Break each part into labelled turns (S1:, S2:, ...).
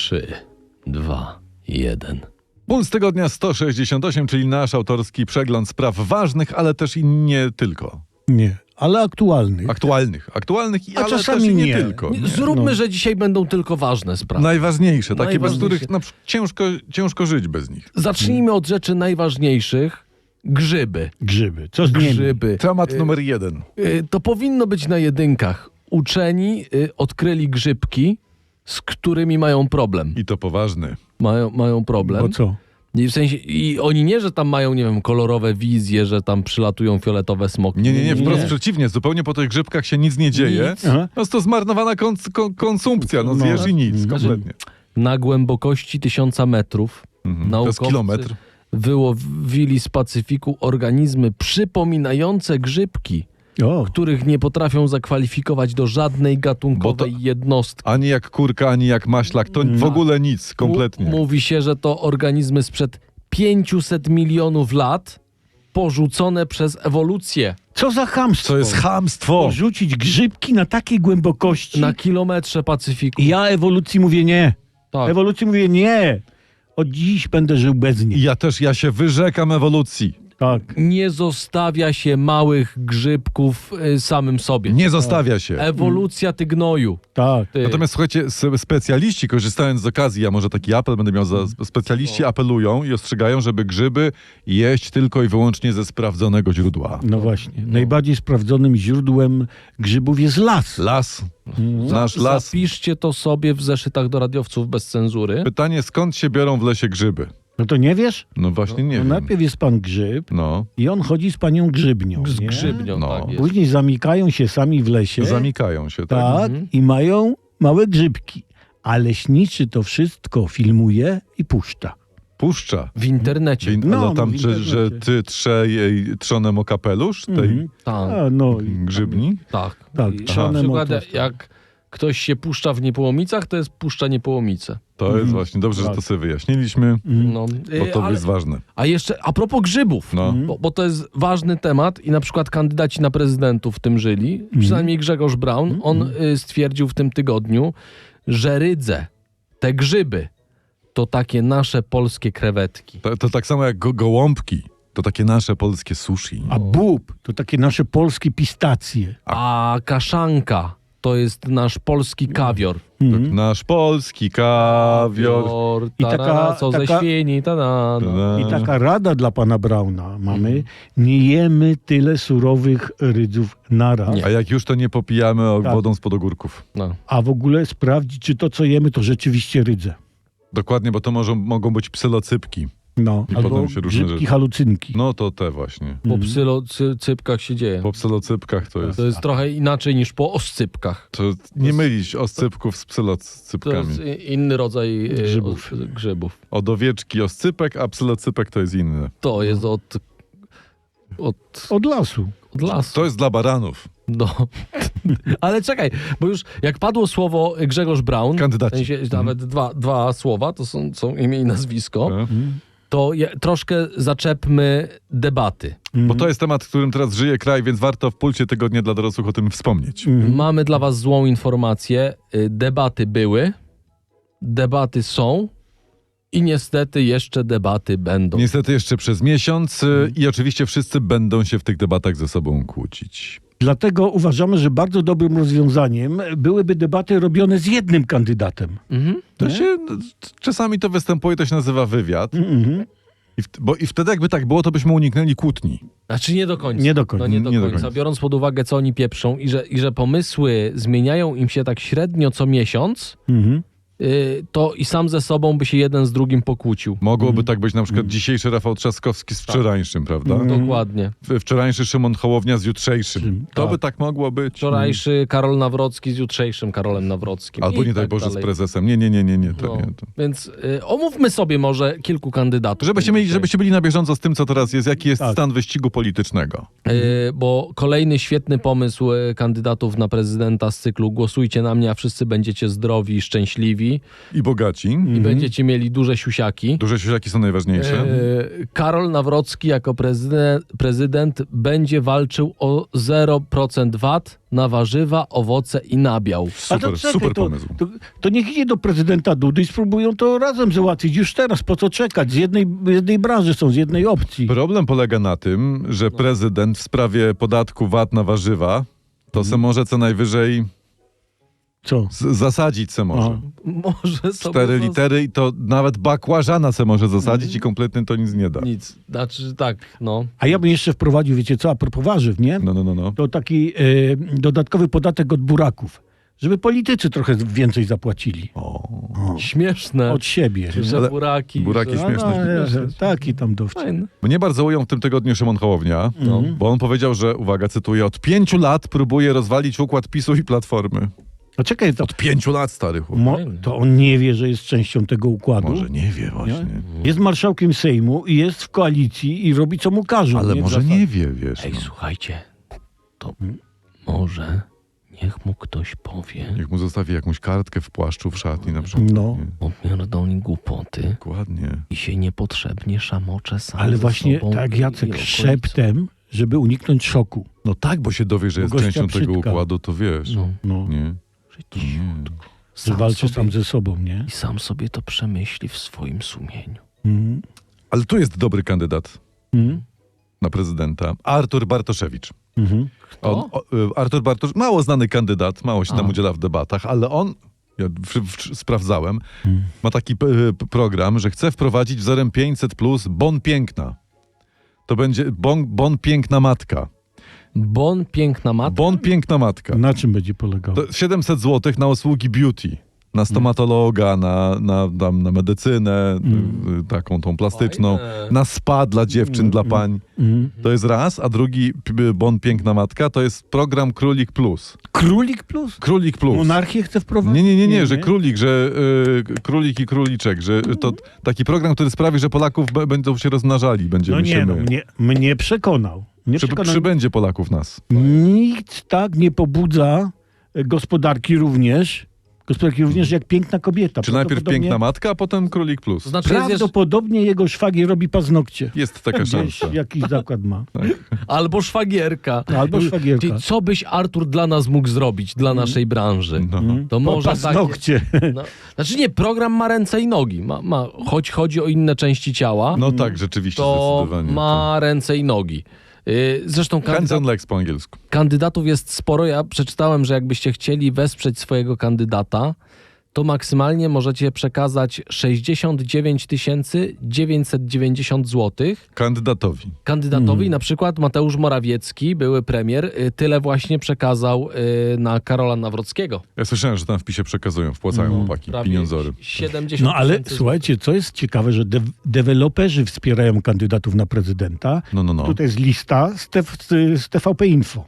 S1: 3, 2, 1.
S2: Puls tygodnia 168, czyli nasz autorski przegląd spraw ważnych, ale też i nie tylko.
S3: Nie, ale aktualnych.
S2: Aktualnych, ale
S3: czasami
S2: też i nie
S3: nie.
S2: tylko. Nie.
S1: Zróbmy, że dzisiaj będą tylko ważne sprawy.
S2: Najważniejsze, takie, bez
S1: Najważniejsze.
S2: których ciężko żyć bez nich.
S1: Zacznijmy od rzeczy najważniejszych. Grzyby.
S3: Grzyby. Co z nimi?
S1: Grzyby.
S2: Temat numer 1.
S1: To powinno być na jedynkach. Uczeni odkryli grzybki, z którymi mają problem.
S2: I to poważny.
S1: Mają problem.
S3: Bo co?
S1: I w sensie, i oni nie, że tam mają, nie wiem, kolorowe wizje, że tam przylatują fioletowe smoki.
S2: Nie, wprost przeciwnie. Zupełnie po tych grzybkach się nic nie dzieje.
S1: Nic.
S3: Aha.
S2: No to zmarnowana konsumpcja. No zjesz i nic, kompletnie.
S1: Na głębokości 1000 metrów
S2: To jest
S1: naukowcy
S2: kilometr.
S1: wyłowili z Pacyfiku organizmy przypominające grzybki,
S3: O,
S1: których nie potrafią zakwalifikować do żadnej gatunkowej jednostki.
S2: Ani jak kurka, ani jak maślak. To w ogóle nic, kompletnie.
S1: Mówi się, że to organizmy sprzed 500 milionów lat porzucone przez ewolucję.
S3: co za chamstwo.
S2: To jest chamstwo.
S3: Porzucić grzybki na takiej głębokości.
S1: Na kilometrze Pacyfiku.
S3: Ja ewolucji mówię nie.
S1: Tak.
S3: Ewolucji mówię nie. Od dziś będę żył bez
S2: I
S3: niej.
S2: ja się wyrzekam ewolucji.
S3: Tak.
S1: Nie zostawia się małych grzybków samym sobie.
S2: Nie zostawia się.
S1: Ewolucja ty gnoju.
S3: Tak.
S1: Ty.
S2: Natomiast słuchajcie, specjaliści, korzystając z okazji, a może taki apel będę miał, specjaliści apelują i ostrzegają, żeby grzyby jeść tylko i wyłącznie ze sprawdzonego źródła.
S3: No właśnie. Najbardziej sprawdzonym źródłem grzybów jest las.
S2: Las. Nasz las.
S1: Zapiszcie to sobie w zeszytach do radiowców bez cenzury.
S2: Pytanie, skąd się biorą w lesie grzyby?
S3: No to nie wiesz?
S2: No właśnie nie
S3: No
S2: wiem.
S3: najpierw jest pan grzyb
S2: No,
S3: i on chodzi z panią grzybnią.
S1: Z
S3: nie?
S1: grzybnią,
S2: No.
S1: tak jest.
S3: Później zamykają się sami w lesie.
S2: zamykają się, tak?
S3: Tak, i mają małe grzybki. A leśniczy to wszystko filmuje i puszcza.
S2: Puszcza.
S1: W internecie.
S3: No,
S2: tam,
S3: w
S2: że
S3: internecie.
S2: ty trze jej trzonem o kapelusz tej
S3: Mhm.
S1: Tak,
S3: A, no, i-
S2: grzybni?
S1: tak.
S3: Tak,
S1: I na
S3: trzonem
S1: przykład
S3: o to.
S1: jak ktoś się puszcza w Niepołomicach, to jest puszcza Niepołomice.
S2: To jest właśnie dobrze, że to sobie wyjaśniliśmy,
S1: No,
S2: bo to
S1: ale,
S2: jest ważne.
S1: a jeszcze a propos grzybów,
S2: No.
S1: bo to jest ważny temat i na przykład kandydaci na prezydentów w tym żyli, przynajmniej Grzegorz Braun, on stwierdził w tym tygodniu, że rydze, te grzyby, to takie nasze polskie krewetki.
S2: To tak samo jak gołąbki. To takie nasze polskie sushi.
S3: A bób to takie nasze polskie pistacje.
S1: A kaszanka to jest nasz polski kawior.
S2: Nasz polski kawior.
S3: I taka-
S1: Co ze
S3: taka-
S1: świni,
S3: I taka rada dla pana Brauna mamy. Nie jemy tyle surowych rydzów naraz.
S2: A jak już to nie popijamy
S3: Tak.
S2: wodą spod ogórków.
S1: No.
S3: A w ogóle sprawdzić, czy to, co jemy, to rzeczywiście rydze.
S2: Dokładnie, bo to mogą być psylocypki.
S3: No,
S2: I
S3: albo
S2: potem się różne
S3: grzybki
S2: rzeczy.
S3: halucynki.
S2: No to te właśnie.
S1: Po psylocypkach się dzieje.
S2: Po psylocypkach to jest...
S1: To jest trochę inaczej niż po oscypkach.
S2: To nie mylić oscypków z
S1: To
S2: psylocypkami.
S1: jest inny rodzaj
S3: Grzybów.
S1: grzybów.
S2: Od owieczki oscypek, a psylocypek to jest inny.
S1: To jest od
S3: Od lasu.
S1: lasu.
S2: To jest dla baranów.
S1: No. Ale czekaj, bo już jak padło słowo Grzegorz Braun,
S2: Kandydaci.
S1: w sensie nawet dwa słowa, to są imię i nazwisko,
S2: E?
S1: to troszkę zaczepmy debaty.
S2: Bo to jest temat, którym teraz żyje kraj, więc warto w pulsie tygodnia dla dorosłych o tym wspomnieć.
S1: Mamy dla was złą informację. Debaty były, debaty są i niestety jeszcze debaty będą.
S2: Niestety jeszcze przez miesiąc i oczywiście wszyscy będą się w tych debatach ze sobą kłócić.
S3: Dlatego uważamy, że bardzo dobrym rozwiązaniem byłyby debaty robione z jednym kandydatem.
S1: Mhm.
S2: To się, czasami to występuje, to się nazywa wywiad. I wtedy jakby tak było, to byśmy uniknęli kłótni.
S1: Znaczy nie do końca.
S3: Nie do końca.
S1: No nie do
S2: Nie do
S1: końca.
S2: końca.
S1: Biorąc pod uwagę, co oni pieprzą i że pomysły zmieniają im się tak średnio co miesiąc, to i sam ze sobą by się jeden z drugim pokłócił.
S2: Mogłoby tak być na przykład dzisiejszy Rafał Trzaskowski z wczorajszym, prawda?
S1: Dokładnie.
S2: Wczorajszy Szymon Hołownia z jutrzejszym. To
S3: Tak.
S2: by tak mogło być.
S1: Wczorajszy Karol Nawrocki z jutrzejszym Karolem Nawrockim.
S2: Albo
S1: I
S2: nie daj
S1: tak
S2: Boże z
S1: dalej.
S2: prezesem. Nie, to
S1: No,
S2: nie. To.
S1: Więc omówmy sobie może kilku kandydatów.
S2: Żebyście byli na bieżąco z tym, co teraz jest, jaki jest
S3: Tak.
S2: stan wyścigu politycznego.
S1: Bo kolejny świetny pomysł kandydatów na prezydenta z cyklu Głosujcie na mnie, a wszyscy będziecie zdrowi i szczęśliwi. szczęśliwi
S2: I bogaci.
S1: i będziecie mieli duże siusiaki.
S2: Duże siusiaki są najważniejsze.
S1: Karol Nawrocki jako prezydent będzie walczył o 0% VAT na warzywa, owoce i nabiał.
S3: A to
S2: Super,
S3: czekaj,
S2: super
S3: to,
S2: pomysł.
S3: to niech idzie do prezydenta Dudy i spróbują to razem załatwić. Już teraz, po co czekać? Z jednej branży są, z jednej opcji.
S2: Problem polega na tym, że prezydent w sprawie podatku VAT na warzywa to se może co najwyżej
S3: Co?
S2: zasadzić se może.
S3: Aha.
S1: Może sobie
S2: 4 litery i to nawet bakłażana se może zasadzić i kompletnie to nic nie da.
S1: Nic. Znaczy tak, no.
S3: A ja bym jeszcze wprowadził, wiecie co, a propos warzyw, nie?
S2: No.
S3: To taki dodatkowy podatek od buraków. Żeby politycy trochę więcej zapłacili.
S1: Śmieszne.
S3: Od siebie.
S1: Że
S2: Ale
S1: buraki.
S2: buraki
S1: że...
S2: śmieszne.
S3: Taki tam dowcip.
S1: Fajne.
S2: Mnie bardzo ujął w tym tygodniu Szymon Hołownia, bo on powiedział, że, uwaga, cytuję, od 5 lat próbuje rozwalić układ PiS-u i Platformy.
S3: A czekaj, to,
S2: Od 5 lat, stary chłop.
S3: to on nie wie, że jest częścią tego układu.
S2: Może nie wie właśnie.
S3: Jest marszałkiem Sejmu i jest w koalicji i robi co mu każą.
S2: Ale
S3: nie?
S2: może
S3: Zasad-
S2: nie wie, wiesz.
S1: Ej,
S2: No.
S1: słuchajcie, to może niech mu ktoś powie,
S2: Niech mu zostawi jakąś kartkę w płaszczu, w szatni na przykład.
S3: No.
S2: Nie?
S1: opierdoli głupoty
S2: Dokładnie.
S1: i się niepotrzebnie szamocze sam
S3: Ale
S1: ze
S3: właśnie
S1: sobą
S3: tak,
S1: i
S3: Jacek,
S1: okolicą.
S3: szeptem, żeby uniknąć szoku.
S2: No tak, bo się dowie, że jest
S3: Gościa
S2: częścią tego
S3: Przytka.
S2: układu, to wiesz.
S1: No,
S3: No.
S2: Nie?
S1: że cichutko.
S3: Że
S1: Sam
S3: walczy
S1: sobie,
S3: sam ze sobą, nie?
S1: I sam sobie to przemyśli w swoim sumieniu.
S3: Mhm.
S2: Ale tu jest dobry kandydat
S3: Mhm.
S2: na prezydenta. Artur Bartoszewicz.
S3: Mhm.
S2: Artur Bartosz, mało znany kandydat, mało się tam
S1: A.
S2: udziela w debatach, ale on, ja sprawdzałem, ma taki program, że chce wprowadzić wzorem 500 plus bon piękna. To będzie bon piękna matka.
S1: Bon piękna matka.
S2: Bon piękna matka.
S3: Na czym będzie polegało?
S2: To 700 zł na usługi beauty. Na stomatologa, na medycynę, taką tą plastyczną,
S1: Fajne.
S2: na spa dla dziewczyn, dla pań.
S3: Mhm.
S2: To jest raz, a drugi bon piękna matka to jest program Królik Plus.
S3: Królik plus?
S2: Królik Plus.
S3: Monarchię chce wprowadzić?
S2: Nie, że królik, że królik i króliczek, że to taki program, który sprawi, że Polaków będą się rozmnażali, będziemy
S3: No
S2: się
S3: nie,
S2: my.
S3: mnie przekonał.
S2: Przybędzie Polaków nas.
S3: Nikt tak nie pobudza gospodarki również jak piękna kobieta.
S2: Czy najpierw
S3: Prawdopodobnie-
S2: piękna matka, a potem Królik Plus.
S1: To znaczy jest jeszcze,
S3: Prawdopodobnie jego szwagier robi paznokcie.
S2: Jest taka
S3: Gdzieś
S2: szansa.
S3: jakiś zakład ma.
S1: albo szwagierka.
S3: Albo szwagierka.
S1: Czyli co byś Artur dla nas mógł zrobić, dla naszej branży?
S2: No.
S1: To może
S3: Paznokcie.
S1: No, znaczy nie, program ma ręce i nogi. Choć chodzi o inne części ciała,
S2: No tak, rzeczywiście,
S1: to
S2: zdecydowanie.
S1: ma ręce i nogi. Zresztą
S2: Hands on legs po angielsku.
S1: kandydatów jest sporo. Ja przeczytałem, że jakbyście chcieli wesprzeć swojego kandydata, to maksymalnie możecie przekazać 69 990 zł
S2: Kandydatowi.
S1: kandydatowi. Na przykład Mateusz Morawiecki, były premier, tyle właśnie przekazał na Karola Nawrockiego.
S2: Ja słyszałem, że tam w PiSie przekazują, wpłacają chłopaki,
S1: Prawie
S2: pieniądzory.
S1: 70
S3: No ale
S1: tysięcy
S3: słuchajcie, co jest ciekawe, że deweloperzy wspierają kandydatów na prezydenta.
S2: No.
S3: Tutaj jest lista z TVP Info.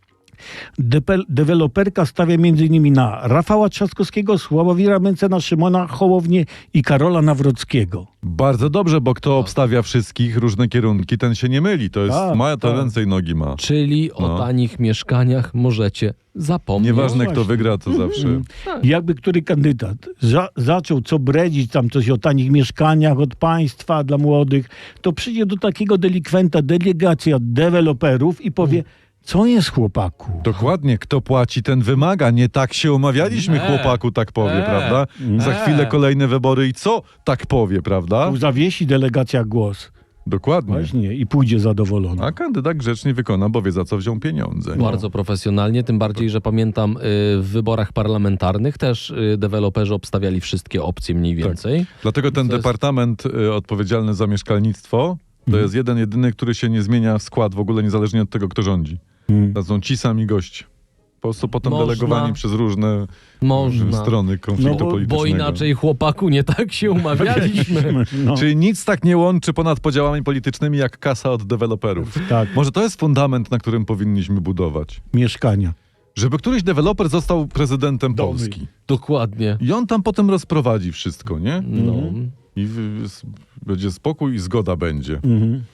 S3: Deweloperka stawia m.in. na Rafała Trzaskowskiego, Sławomira Mencena, Szymona Hołownię i Karola Nawrockiego.
S2: Bardzo dobrze, bo kto obstawia wszystkich różne kierunki, ten się nie myli. To jest,
S3: Tak,
S2: ma to
S3: tak.
S2: ręce i nogi ma.
S1: Czyli o
S2: No.
S1: tanich mieszkaniach możecie zapomnieć.
S2: Nieważne,
S3: No
S2: kto
S3: właśnie.
S2: wygra, to zawsze.
S3: Jakby który kandydat zaczął co bredzić tam coś o tanich mieszkaniach od państwa dla młodych, to przyjdzie do takiego delikwenta delegacja deweloperów i powie, co jest chłopaku?
S2: Dokładnie, kto płaci, ten wymaga. Nie tak się umawialiśmy, chłopaku, tak powie, prawda? Za chwilę kolejne wybory i co tak powie, prawda?
S3: Tu zawiesi delegacja głos.
S2: Dokładnie.
S3: Właśnie. I pójdzie zadowolony.
S2: A kandydat grzecznie wykona, bo wie, za co wziął pieniądze.
S1: Bardzo profesjonalnie, tym bardziej, że pamiętam w wyborach parlamentarnych też deweloperzy obstawiali wszystkie opcje mniej więcej.
S2: Dlatego ten
S1: To jest-
S2: departament odpowiedzialny za mieszkalnictwo to jest jeden, jedyny, który się nie zmienia skład w ogóle niezależnie od tego, kto rządzi. To są ci sami goście. Po prostu potem
S1: Można.
S2: delegowani przez różne
S1: Można.
S2: strony konfliktu
S3: No, bo
S2: politycznego.
S1: Bo inaczej, chłopaku, nie tak się umawialiśmy.
S3: No,
S2: Czyli nic tak nie łączy ponad podziałami politycznymi jak kasa od deweloperów.
S3: tak,
S2: Może to jest fundament, na którym powinniśmy budować.
S3: mieszkania.
S2: Żeby któryś deweloper został prezydentem
S3: Domy.
S2: Polski.
S1: Dokładnie.
S2: I on tam potem rozprowadzi wszystko, nie?
S1: No.
S2: I będzie spokój i zgoda będzie.
S3: Mhm.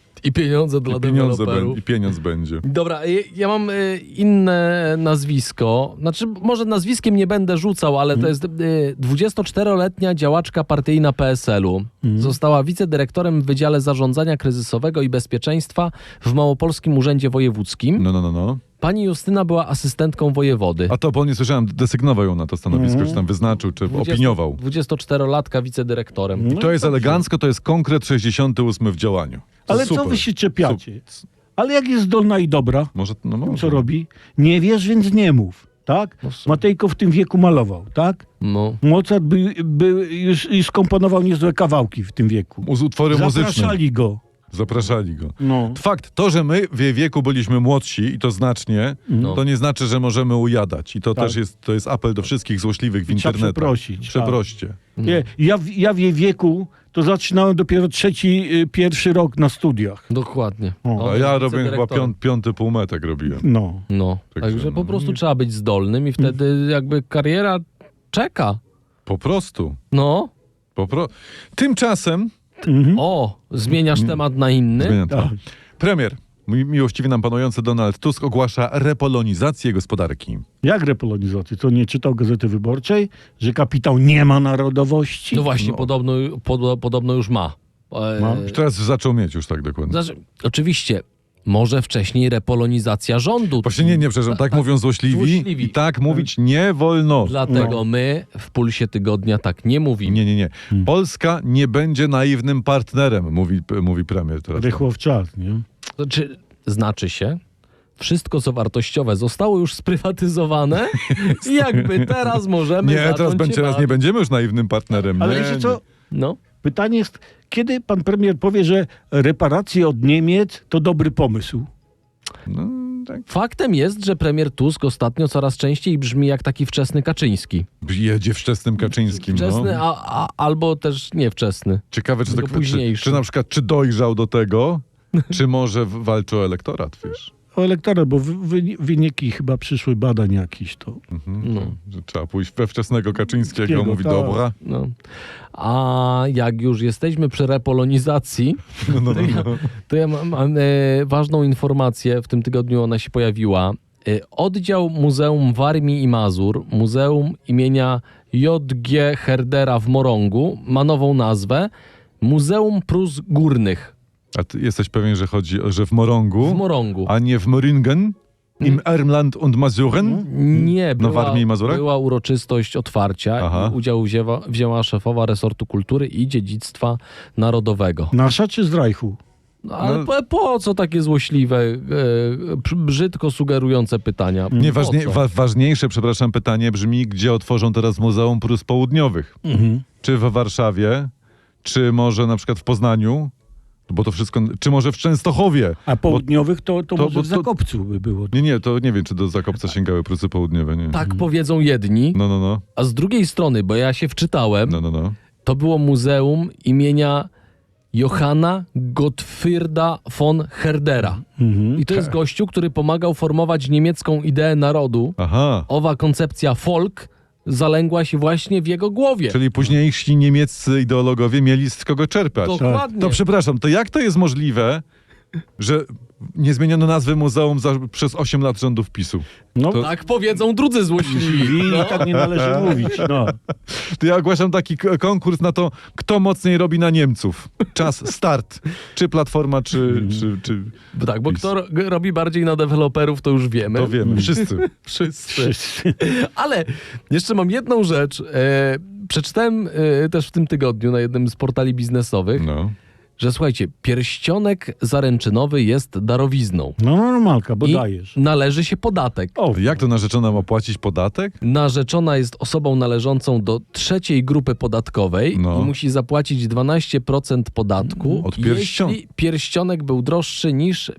S1: I pieniądze dla deweloperów.
S2: I pieniądz będzie.
S1: Dobra, ja mam inne nazwisko. Znaczy, może nazwiskiem nie będę rzucał, ale to jest 24-letnia działaczka partyjna PSL-u. Została wicedyrektorem w Wydziale Zarządzania Kryzysowego i Bezpieczeństwa w Małopolskim Urzędzie Wojewódzkim.
S2: No.
S1: Pani Justyna była asystentką wojewody.
S2: A to, bo nie słyszałem, desygnował ją na to stanowisko, czy tam wyznaczył, czy opiniował.
S1: 24-latka wicedyrektorem.
S2: I to jest elegancko, to jest konkret 68 w działaniu. To
S3: Ale
S2: super.
S3: co wy się czepiacie? Ale jak jest zdolna i dobra,
S2: Może, no może.
S3: co robi? Nie wiesz, więc nie mów, tak?
S1: No w sumie.
S3: Matejko w tym wieku malował, tak?
S1: No.
S3: Mozart by już skomponował niezłe kawałki w tym wieku.
S2: Utwory muzyczne.
S3: Zapraszali go.
S2: go.
S3: No.
S2: Fakt, to, że my w jej wieku byliśmy młodsi i to znacznie,
S1: No.
S2: to nie znaczy, że możemy ujadać. I to
S3: Tak.
S2: też jest apel do wszystkich złośliwych w
S3: Trzeba
S2: internecie.
S3: przeprosić.
S2: Przeproście.
S3: Nie, ja w jej wieku to zaczynałem dopiero pierwszy rok na studiach.
S1: Dokładnie.
S3: O.
S1: On
S2: A ja
S1: jest
S2: robiłem chyba
S1: wicedyrektorem.
S2: piąty półmetek robiłem.
S3: No.
S1: No,
S2: Także
S1: także
S2: no.
S1: po prostu trzeba być zdolnym i wtedy jakby kariera czeka.
S2: Po prostu.
S1: No.
S2: Tymczasem
S1: O, zmieniasz temat na inny.
S2: zmieniam to.
S3: Tak.
S2: Premier, miłościwie nam panujący Donald Tusk ogłasza repolonizację gospodarki.
S3: Jak repolonizację? To nie czytał Gazety Wyborczej, że kapitał nie ma narodowości?
S1: No właśnie,
S2: No.
S1: podobno już ma.
S3: Ma?
S2: Teraz zaczął mieć już tak dokładnie.
S1: Znaczy, oczywiście, może wcześniej repolonizacja rządu.
S2: Właśnie nie, przepraszam, tak mówią złośliwi
S1: Złośliwi.
S2: i tak mówić nie wolno.
S1: Dlatego my w Pulsie Tygodnia tak nie mówimy.
S2: Nie. Polska nie będzie naiwnym partnerem, mówi premier teraz.
S3: Rychło w czas, nie?
S1: Znaczy się, wszystko co wartościowe zostało już sprywatyzowane i jakby teraz możemy
S2: Nie,
S1: zacząć
S2: teraz nie będziemy już naiwnym partnerem.
S3: Ale
S2: nie,
S3: wiecie co?
S1: No.
S3: Pytanie jest, kiedy pan premier powie, że reparacje od Niemiec to dobry pomysł?
S2: No, tak.
S1: Faktem jest, że premier Tusk ostatnio coraz częściej brzmi jak taki wczesny Kaczyński.
S2: Jedzie wczesnym Kaczyńskim.
S1: Wczesny,
S2: No.
S1: albo też niewczesny.
S2: Ciekawe, czy,
S1: tylko późniejszy.
S2: czy na przykład czy dojrzał do tego, czy może walczy o elektorat, wiesz?
S3: O elektorat, bo wyniki chyba przyszły badań jakiś to.
S1: No.
S2: Że trzeba pójść we wczesnego Kaczyńskiego,
S3: Kaczyńskiego,
S2: mówi
S3: tak.
S2: dobra.
S1: No. A jak już jesteśmy przy repolonizacji,
S2: No.
S1: to ja mam ważną informację. W tym tygodniu ona się pojawiła. Oddział Muzeum Warmii i Mazur, Muzeum imienia J.G. Herdera w Morągu ma nową nazwę Muzeum Prus Górnych
S2: A ty jesteś pewien, że chodzi, że w Morągu,
S1: w Morągu.
S2: a nie w Moringen, im Ermland und Mazuren?
S1: Nie,
S2: Na Warmii i Mazurach?
S1: była uroczystość otwarcia.
S2: Aha.
S1: Udział wzięła szefowa resortu kultury i dziedzictwa narodowego.
S3: Nasza czy z Reichu?
S1: No, ale po co takie złośliwe, brzydko sugerujące pytania?
S2: Nie,
S1: Po co?
S2: ważniejsze, przepraszam, pytanie brzmi, gdzie otworzą teraz Muzeum Prus Południowych? Czy w Warszawie, czy może na przykład w Poznaniu? Bo to wszystko, czy może w Częstochowie?
S3: A południowych to może
S2: bo
S3: w Zakopcu by było.
S2: Nie, to nie wiem, czy do Zakopca sięgały Prusy Południowe, nie.
S1: Tak powiedzą jedni,
S2: No.
S1: a z drugiej strony, bo ja się wczytałem,
S2: No.
S1: to było muzeum imienia Johanna Gottfrieda von Herdera. I to jest gościu, który pomagał formować niemiecką ideę narodu.
S2: Aha.
S1: Owa koncepcja Volk zalęgła się właśnie w jego głowie.
S2: Czyli późniejsi niemieccy ideologowie mieli z kogo czerpać.
S1: Dokładnie.
S2: To przepraszam, to jak to jest możliwe, że nie zmieniono nazwy muzeum przez 8 lat rządów PiS-u?
S3: No,
S2: To-
S1: Tak powiedzą drudzy złośliwi.
S3: i tak nie należy mówić. No.
S2: To ja ogłaszam taki konkurs na to, kto mocniej robi na Niemców. Czas, start. Czy Platforma, czy
S1: Tak, bo
S2: PiS.
S1: kto robi bardziej na deweloperów, to już wiemy.
S2: To wiemy, wszyscy.
S1: Wszyscy. Ale jeszcze mam jedną rzecz. Przeczytałem też w tym tygodniu na jednym z portali biznesowych,
S2: No.
S1: że słuchajcie, pierścionek zaręczynowy jest darowizną.
S3: No normalka, bo
S1: I
S3: dajesz.
S1: należy się podatek.
S3: O,
S2: Jak to narzeczona ma płacić podatek?
S1: Narzeczona jest osobą należącą do trzeciej grupy podatkowej
S2: No.
S1: i musi zapłacić 12% podatku,
S2: Od pierścionka.
S1: jeśli pierścionek był droższy niż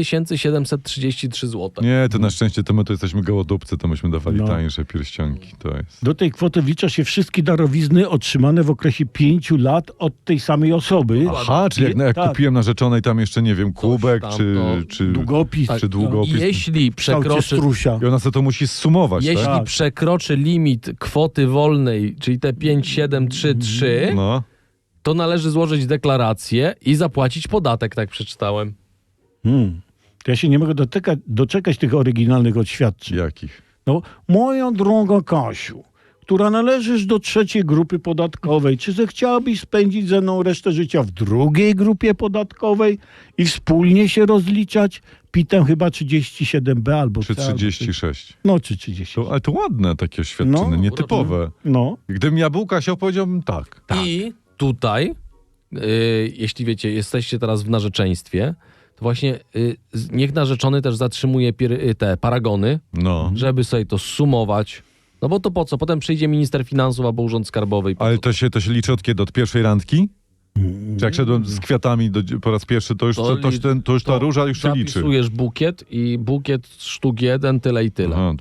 S1: 5733 zł.
S2: Nie, to na szczęście to my to jesteśmy gołodupcy, to myśmy dawali
S3: No.
S2: tańsze pierścionki. To jest.
S3: do tej kwoty wlicza się wszystkie darowizny otrzymane w okresie 5 lat od tej samej osoby.
S2: Aha, czyli jak
S3: Tak.
S2: kupiłem narzeczonej tam jeszcze, nie wiem, kubek,
S1: tam,
S2: czy,
S1: no.
S2: czy,
S3: Długopis.
S2: czy długopis.
S1: Jeśli
S3: W kształcie
S1: przekroczy,
S3: strusia.
S2: I ona sobie to musi zsumować,
S1: jeśli
S2: tak?
S1: przekroczy limit kwoty wolnej, czyli te 5733,
S2: No.
S1: to należy złożyć deklarację i zapłacić podatek, tak przeczytałem.
S3: To ja się nie mogę doczekać tych oryginalnych oświadczeń.
S2: Jakich?
S3: No, moja droga Kasiu, która należysz do trzeciej grupy podatkowej, czy zechciałabyś spędzić ze mną resztę życia w drugiej grupie podatkowej i wspólnie się rozliczać? Pitem chyba 37B albo
S2: Czy
S3: C, albo
S2: 36?
S3: No, czy 30.
S2: Ale to ładne takie oświadczenie,
S3: No,
S2: nietypowe.
S3: No.
S2: Gdybym ja był Kasią, powiedziałbym tak.
S1: I tutaj, jeśli wiecie, jesteście teraz w narzeczeństwie, to właśnie niech narzeczony też zatrzymuje te paragony,
S2: No.
S1: żeby sobie to sumować. No bo to po co? Potem przyjdzie minister finansów albo urząd skarbowy. I po
S2: Ale
S1: co?
S2: to się liczy od kiedy? Od pierwszej randki? Czy jak szedłem z kwiatami po raz pierwszy, to już, to już ta róża już się liczy.
S1: Zapisujesz bukiet i bukiet sztuk 1, tyle i tyle.
S2: Aha,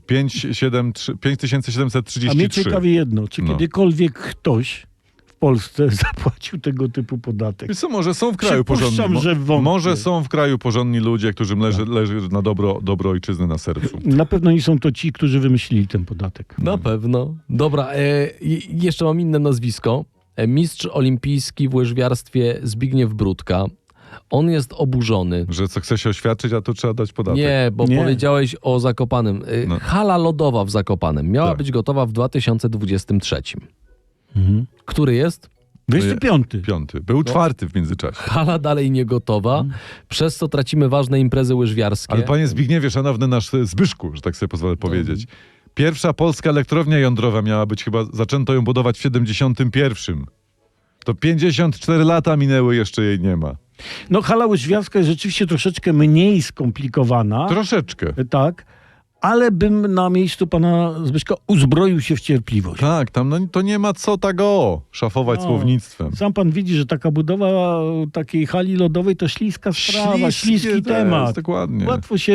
S2: 5733.
S3: A mnie ciekawi jedno, czy
S2: No.
S3: kiedykolwiek ktoś w Polsce zapłacił tego typu podatek?
S2: Wiesz co, może są w kraju
S3: Przypuszczam,
S2: porządni.
S3: że wątpię.
S2: Może są w kraju porządni ludzie, którym leży na dobro ojczyzny na sercu.
S3: Na pewno nie są to ci, którzy wymyślili ten podatek.
S1: Na pewno. Dobra, jeszcze mam inne nazwisko. Mistrz olimpijski w łyżwiarstwie Zbigniew Brudka. On jest oburzony.
S2: Że co chce się oświadczyć, a to trzeba dać podatek.
S1: Nie, bo
S3: Nie.
S1: powiedziałeś o Zakopanem.
S2: No.
S1: Hala lodowa w Zakopanem miała
S2: Tak.
S1: być gotowa w 2023. Który jest?
S3: 25.
S2: 5. Był 4 w międzyczasie.
S1: Hala dalej nie gotowa, przez co tracimy ważne imprezy łyżwiarskie.
S2: Ale panie Zbigniewie, szanowny nasz Zbyszku, że tak sobie pozwolę powiedzieć. Pierwsza polska elektrownia jądrowa miała być chyba, zaczęto ją budować w 71. To 54 lata minęły, jeszcze jej nie ma.
S3: No hala łyżwiarska jest rzeczywiście troszeczkę mniej skomplikowana.
S2: Troszeczkę.
S3: Tak, ale bym na miejscu pana Zbyszka uzbroił się w cierpliwość.
S2: Tak, tam to nie ma co szafować
S3: No.
S2: słownictwem.
S3: Sam pan widzi, że taka budowa takiej hali lodowej to śliska sprawa, śliski
S2: to
S3: temat.
S2: jest, dokładnie.
S3: Łatwo się...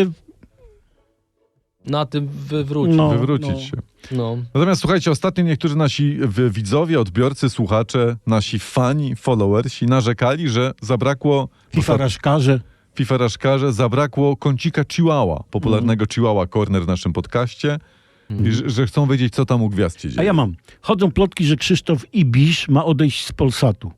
S1: Na tym wywrócić.
S3: No.
S2: Wywrócić się.
S1: No.
S2: Natomiast słuchajcie, ostatnio niektórzy nasi widzowie, odbiorcy, słuchacze, nasi fani, followersi narzekali, że zabrakło FIFA-raszkarze, zabrakło kącika Chihuahua, popularnego Chihuahua Corner w naszym podcaście i że chcą wiedzieć, co tam u gwiazd się dzieje.
S3: A ja mam. Chodzą plotki, że Krzysztof Ibisz ma odejść z Polsatu.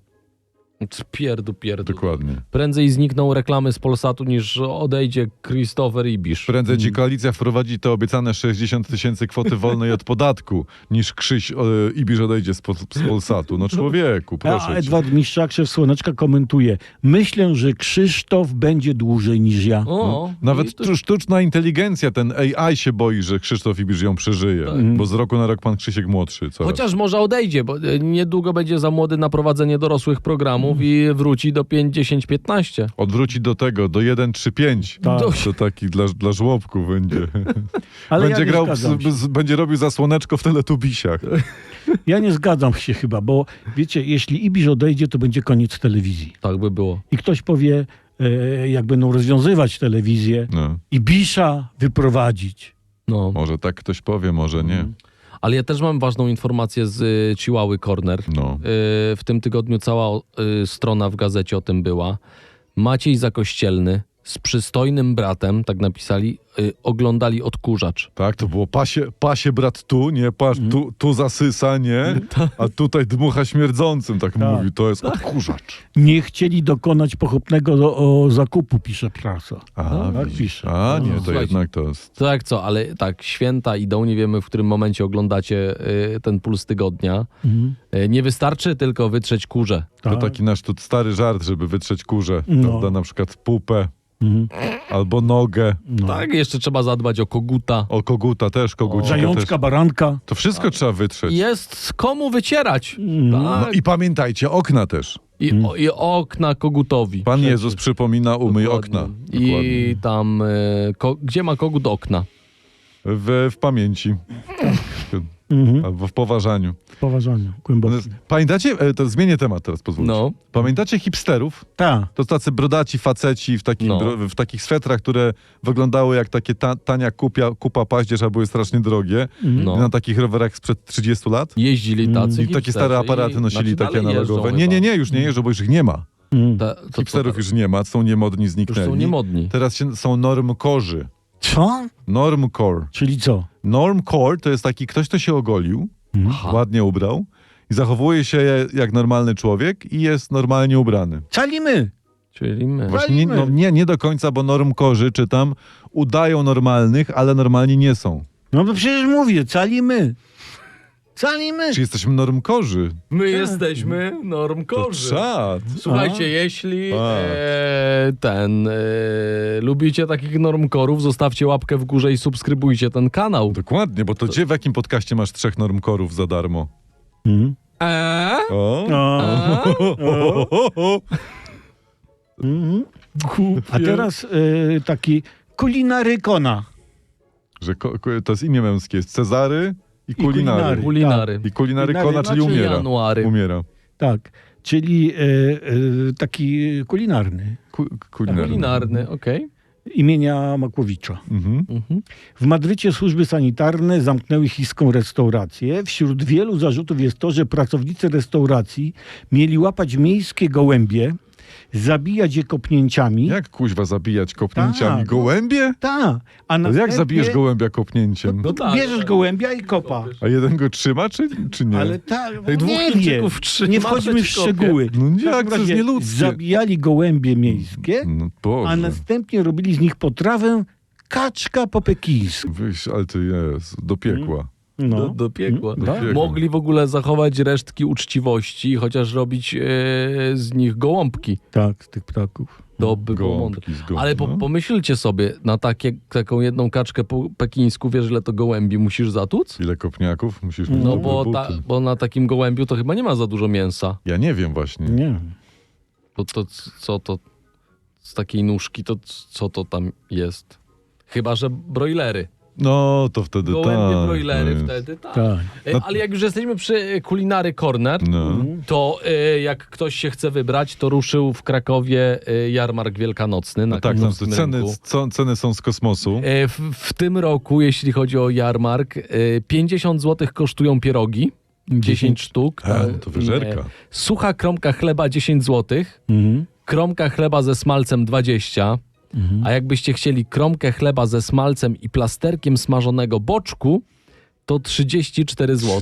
S1: Pierdu.
S2: Dokładnie.
S1: Prędzej znikną reklamy z Polsatu niż odejdzie Christopher Ibisz.
S2: Prędzej ci koalicja wprowadzi te obiecane 60 000 kwoty wolnej od podatku, niż Krzyś Ibisz odejdzie z Polsatu. No człowieku,
S3: A
S2: proszę cię.
S3: Edward Mistrzak, szef Słoneczka, komentuje. Myślę, że Krzysztof będzie dłużej niż ja.
S1: O,
S2: Nawet
S1: i to-
S2: sztuczna inteligencja, ten AI się boi, że Krzysztof Ibisz ją przeżyje, bo z roku na rok pan Krzysiek młodszy. Coraz.
S1: Chociaż może odejdzie, bo niedługo będzie za młody na prowadzenie dorosłych programów i wróci do 5, 10, 15.
S2: Odwróci do tego, do 1-3-5.
S3: Tak.
S2: To taki dla żłobków będzie.
S3: Ale
S2: Będzie
S3: ja nie
S2: grał,
S3: zgadzam się.
S2: będzie robił zasłoneczko w Teletubisiach.
S3: Ja nie zgadzam się chyba, bo wiecie, jeśli Ibisz odejdzie, to będzie koniec telewizji.
S1: Tak by było.
S3: I ktoś powie, jak będą rozwiązywać telewizję,
S2: No.
S3: Ibisza wyprowadzić.
S1: No.
S2: Może tak ktoś powie, może nie.
S1: Ale ja też mam ważną informację z Chihuahua Corner.
S2: No.
S1: W tym tygodniu cała strona w gazecie o tym była. Maciej Zakościelny z przystojnym bratem, tak napisali, oglądali Odkurzacz.
S2: Tak, to było pasie brat tu, nie, tu zasysa, nie, a tutaj dmucha śmierdzącym, tak mówił, to jest odkurzacz.
S3: Nie chcieli dokonać pochopnego zakupu, pisze prasa. Tak
S2: widzisz.
S3: pisze.
S2: Nie, to
S1: Słuchajcie.
S2: jednak to jest...
S1: Tak co, ale tak, święta idą, nie wiemy w którym momencie oglądacie ten Puls Tygodnia. Nie wystarczy tylko wytrzeć kurze.
S2: To
S3: Tak.
S2: taki nasz tu stary żart, żeby wytrzeć kurze,
S3: No.
S2: prawda, na przykład pupę albo nogę,
S1: Tak, jeszcze trzeba zadbać o koguta.
S2: o koguta też, kogucika
S3: Zajączka,
S2: też.
S3: baranka.
S2: To wszystko trzeba wytrzeć.
S1: Jest komu wycierać.
S2: No
S1: Tak.
S2: i pamiętajcie, okna też.
S1: I okna kogutowi.
S2: Pan Jezus przypomina, umyj
S1: Dokładnie.
S2: okna.
S1: I tam, gdzie ma kogut okna?
S2: W pamięci. Albo w poważaniu.
S3: Poważanie, głębokie.
S2: Pamiętacie, to zmienię temat teraz, pozwólcie.
S1: No.
S2: Pamiętacie hipsterów?
S3: Tak.
S2: To tacy brodaci faceci w takich swetrach, które wyglądały jak takie tania kupa paździerz, a były strasznie drogie.
S1: No.
S2: Na takich rowerach sprzed 30 lat.
S1: Jeździli tacy
S2: I takie stare aparaty nosili, takie
S1: dalej
S2: analogowe.
S1: jeżdżą
S2: Nie, już nie jeżdżą, bo już ich nie ma.
S1: To
S2: Hipsterów już nie ma, są niemodni,
S1: już
S2: zniknęli.
S1: są niemodni.
S2: Teraz są normkorzy.
S3: Co?
S2: Normcore.
S3: Czyli co?
S2: Normcore to jest taki ktoś, kto się ogolił, ładnie ubrał i zachowuje się jak normalny człowiek i jest normalnie ubrany.
S3: Calimy!
S1: Czyli my.
S2: Właśnie
S3: Walimy.
S2: nie do końca, bo normkorzy, czytam, udają normalnych, ale normalni nie są.
S3: No bo przecież mówię, calimy. Calimy!
S2: Czy jesteśmy normkorzy?
S1: My jesteśmy
S2: To
S1: normkorzy.
S2: czad.
S1: Słuchajcie, jeśli lubicie takich normkorów, zostawcie łapkę w górze i subskrybujcie ten kanał.
S2: Dokładnie, bo to gdzie, w jakim podcaście masz 3 normkorów za darmo?
S3: Mhm.
S2: O.
S3: O. Mhm. A teraz taki kulinarykona.
S2: Że to jest imię męskie, jest Cezary i kulinary.
S1: Kulinary.
S2: I kulinary kona,
S3: Kulinary,
S2: czyli
S3: znaczy
S2: umiera.
S1: January.
S2: Umiera.
S3: Tak, czyli taki kulinarny.
S2: Kulinary.
S1: Kulinarny, okej.
S3: Imienia Makłowicza.
S2: Mhm.
S1: Mhm.
S3: W Madrycie służby sanitarne zamknęły chińską restaurację. Wśród wielu zarzutów jest to, że pracownicy restauracji mieli łapać miejskie gołębie, zabijać je kopnięciami.
S2: Jak kuźwa zabijać kopnięciami?
S3: Tak.
S2: Gołębie?
S3: Tak. A
S2: Ale jak
S3: następnie
S2: zabijesz gołębia kopnięciem?
S1: No tak,
S3: bierzesz
S1: tak.
S3: gołębia i kopa.
S2: A jeden go trzyma, czy nie?
S3: Ale tak,
S1: Jak dwóch
S3: nie wiem.
S1: Chińczyków trzyma,
S3: Nie wchodźmy w
S1: to ci kopie.
S3: szczegóły.
S2: No
S3: W
S2: jak,
S3: każdym
S2: to jest
S3: razie
S2: nieludzkie.
S3: zabijali gołębie miejskie,
S2: No Boże.
S3: a następnie robili z nich potrawę kaczka po pekińsku.
S2: Wyjść, ale ty jest, do piekła.
S3: No.
S1: Do piekła.
S2: Do piekła.
S1: Mogli w ogóle zachować resztki uczciwości, chociaż robić z nich gołąbki.
S3: Tak, z tych ptaków.
S1: To by było mądre.
S2: Gołąbki z gołąb,
S1: Ale
S2: no.
S1: pomyślcie sobie, na taką jedną kaczkę po pekińsku, wiesz, ile to gołębi musisz zatłuc?
S2: Ile kopniaków musisz
S3: No
S2: mieć?
S1: No
S2: dobre
S1: bo,
S2: buty?
S1: bo na takim gołębiu to chyba nie ma za dużo mięsa.
S2: Ja nie wiem właśnie.
S3: Nie.
S1: To co to z takiej nóżki, to co to tam jest? Chyba że broilery.
S2: No, to wtedy
S1: Gołębie
S2: tak.
S1: broilery
S2: no
S1: wtedy, tak.
S3: Tak.
S2: No-
S1: Ale jak już jesteśmy przy Kulinary Corner,
S2: No.
S1: to jak ktoś się chce wybrać, to ruszył w Krakowie jarmark wielkanocny na
S2: No tak, tam
S1: krakowskim
S2: ceny,
S1: rynku.
S2: ceny są z kosmosu.
S1: W tym roku, jeśli chodzi o jarmark, 50 zł kosztują pierogi, 10 sztuk.
S2: No to wyżerka.
S1: Sucha kromka chleba 10 zł,
S3: Mhm.
S1: kromka chleba ze smalcem 20, a jakbyście chcieli kromkę chleba ze smalcem i plasterkiem smażonego boczku, to 34 zł.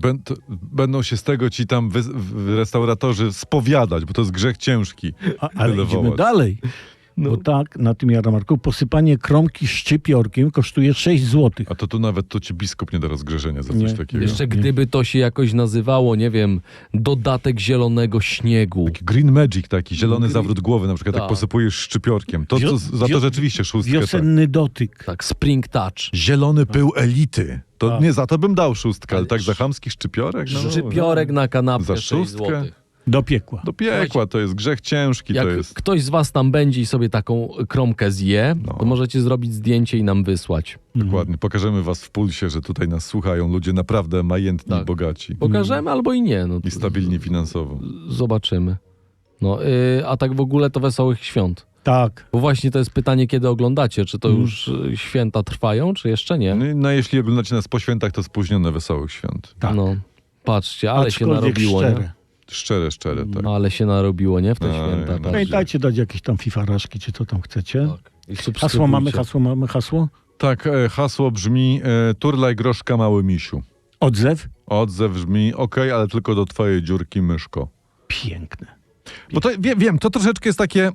S2: Będą się z tego ci tam restauratorzy spowiadać, bo to jest grzech ciężki.
S3: Ale
S2: Tyle
S3: idziemy
S2: wołać.
S3: dalej.
S1: No.
S3: Bo tak, na tym jarmarku posypanie kromki szczypiorkiem kosztuje 6 zł.
S2: A to tu nawet to ci biskup nie da rozgrzeszenia za
S3: Nie.
S2: coś takiego.
S1: Jeszcze gdyby to się jakoś nazywało, nie wiem, dodatek zielonego śniegu.
S2: Green Magic taki, zielony zawrót głowy, na przykład
S1: Tak.
S2: jak posypujesz szczypiorkiem. To za to rzeczywiście szóstkę. Tak.
S3: Wiosenny dotyk.
S1: Tak, spring touch.
S2: Zielony pył elity. To
S3: Tak.
S2: nie, za to bym dał szóstkę, ale
S1: Ale
S2: tak za chamski szczypiorek? No,
S1: Szczypiorek na kanapkę
S2: Za
S1: 6
S2: szóstkę?
S1: zł.
S3: Do piekła.
S2: do piekła, to jest grzech ciężki,
S1: Jak
S2: to jest.
S1: ktoś z was tam będzie i sobie taką kromkę zje,
S2: No.
S1: to możecie zrobić zdjęcie i nam wysłać.
S2: Dokładnie. Pokażemy was w pulsie, że tutaj nas słuchają ludzie naprawdę majętni
S1: Tak.
S2: i bogaci.
S1: Pokażemy albo i nie. No,
S2: I stabilni finansowo.
S1: Zobaczymy. No, a tak w ogóle to wesołych świąt.
S3: Tak.
S1: Bo właśnie to jest pytanie, kiedy oglądacie. Czy to już święta trwają, czy jeszcze nie?
S2: No jeśli oglądacie nas po świętach, to spóźnione wesołych świąt.
S3: Tak.
S1: No, patrzcie, ale się
S3: Aczkolwiek
S1: narobiło,
S3: szczere.
S1: nie?
S2: Szczere, tak.
S1: No, ale się narobiło, nie? W te
S2: Tak,
S1: święta.
S2: no.
S1: Tak.
S3: Pamiętajcie dać jakieś tam fifaraszki, czy co tam chcecie.
S1: Tak. I
S3: Hasło mamy,
S1: subskrybujcie.
S3: hasło?
S2: Tak, hasło brzmi turlaj groszka mały misiu.
S3: Odzew?
S2: Odzew brzmi ale tylko do twojej dziurki myszko.
S3: Piękne.
S2: Bo to, wiem, to troszeczkę jest takie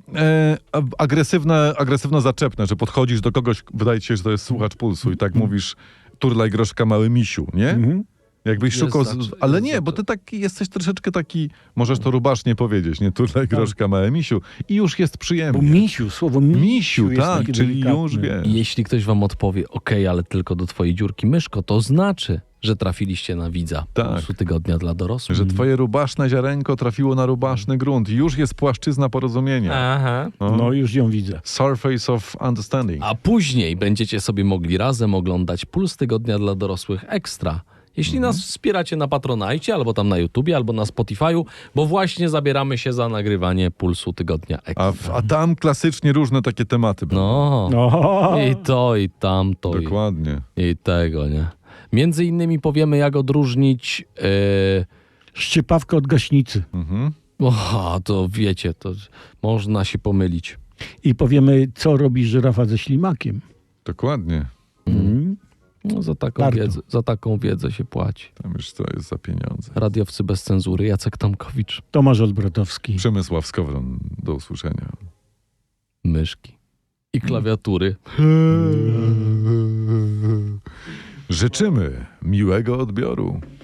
S2: agresywno-zaczepne, że podchodzisz do kogoś, wydaje ci się, że to jest słuchacz pulsu i tak mówisz turlaj groszka mały misiu, nie?
S3: Mhm.
S2: Jakbyś
S1: Jest
S2: szukał... ale
S1: jest
S2: nie, bo ty tak jesteś troszeczkę taki, możesz to rubasznie powiedzieć, nie? Turlaj groszka małe misiu. I już jest
S3: Bo
S2: przyjemnie.
S3: misiu, słowo misiu jest
S2: tak,
S3: takie
S2: czyli
S3: delikatne.
S2: już wiesz.
S1: I jeśli ktoś wam odpowie, ale tylko do twojej dziurki myszko, to znaczy, że trafiliście na widza
S2: Tak.
S1: Pulsu Tygodnia dla dorosłych.
S2: Że twoje rubaszne ziarenko trafiło na rubaszny grunt. Już jest płaszczyzna porozumienia.
S1: Aha.
S3: No już ją widzę.
S2: Surface of understanding.
S1: A później będziecie sobie mogli razem oglądać Puls Tygodnia dla dorosłych Ekstra. Jeśli nas wspieracie na Patronajcie, albo tam na YouTubie, albo na Spotify'u, bo właśnie zabieramy się za nagrywanie Pulsu Tygodnia Ekstra.
S2: A tam klasycznie różne takie tematy będą.
S1: No,
S3: No.
S1: i to, i tamto,
S2: Dokładnie.
S1: i tego, nie? Między innymi powiemy, jak odróżnić...
S3: Szczypawkę od gaśnicy.
S2: Mhm.
S1: to wiecie, to można się pomylić.
S3: I powiemy, co robi żyrafa ze ślimakiem.
S2: Dokładnie.
S3: Mhm.
S1: No,
S3: Warto.
S1: za taką wiedzę się płaci.
S2: Tam już to jest za pieniądze.
S1: Radiowcy bez cenzury, Jacek Tomkowicz,
S3: Tomasz Olbratowski.
S2: Przemysław Skowron, do usłyszenia.
S1: myszki i klawiatury.
S2: Życzymy miłego odbioru.